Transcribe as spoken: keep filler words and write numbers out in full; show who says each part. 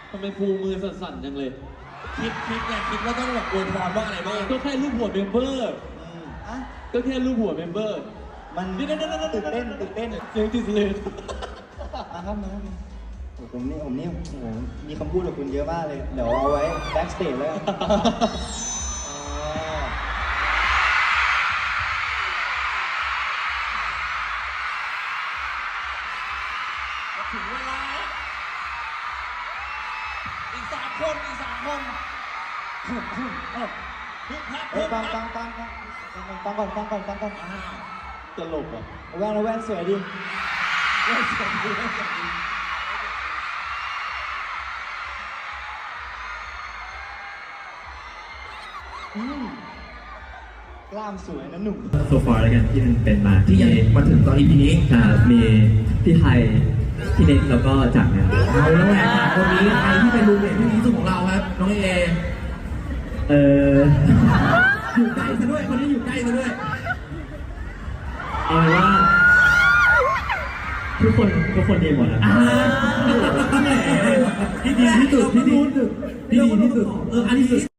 Speaker 1: ทำไมภูมือสั่นๆจังเลย
Speaker 2: คิดคิดไงคิดว่าต้องแบบอวยพรว่าอะไรบ้าง
Speaker 1: ก็แค่รูปหัวเมมเบอร์
Speaker 3: อ่ะ
Speaker 1: ก็แค่รูปหัวเมมเบอร์
Speaker 3: มันตื่นเต้นตื่นเต้น
Speaker 1: เสียงติดเลย
Speaker 3: นะครับนะผมนี่ผมนี่โอ้โหมีคำพูดกับคุณเยอะมากเลยเดี๋ยวเอาไว้แบ็กสเตจแล้ว
Speaker 2: ถึงเวลาอีกสามคนอีกสามคนฮึบฮับ
Speaker 3: เอ้ยฟังฟังฟังฟังฟังก่อนฟังก่อนฟังก่อน
Speaker 1: ตลกอ่ะ
Speaker 3: แว่นแว่นสวยดิ
Speaker 2: แว่นสวยดีแว่นสวยดี
Speaker 3: อืมกล้ามสวยนะหนุ่ม
Speaker 4: โซฟาแล้วกันที่มันเป็นมา
Speaker 2: ที่ยังมาถึงตอน อี พี นี้
Speaker 4: มีพี่ไทยพี่เน็กแล้วก็จักรเนี่ย
Speaker 2: เอาแล้วแหละคนนี้ใครที่เป็นรูมเมทที่ดีที่สุดของเราครับน้องเอ
Speaker 4: เออ
Speaker 2: อยู่ใกล้ซะด้วยคนนี้อยู่ใกล้ซะด้วย
Speaker 4: เอาเป็นว่าทุกคนทุกคนดีหมดแล้ว
Speaker 2: ที่ดีที่สุดที่ดีที่สุดที่ดีที่สุดเอออันนี้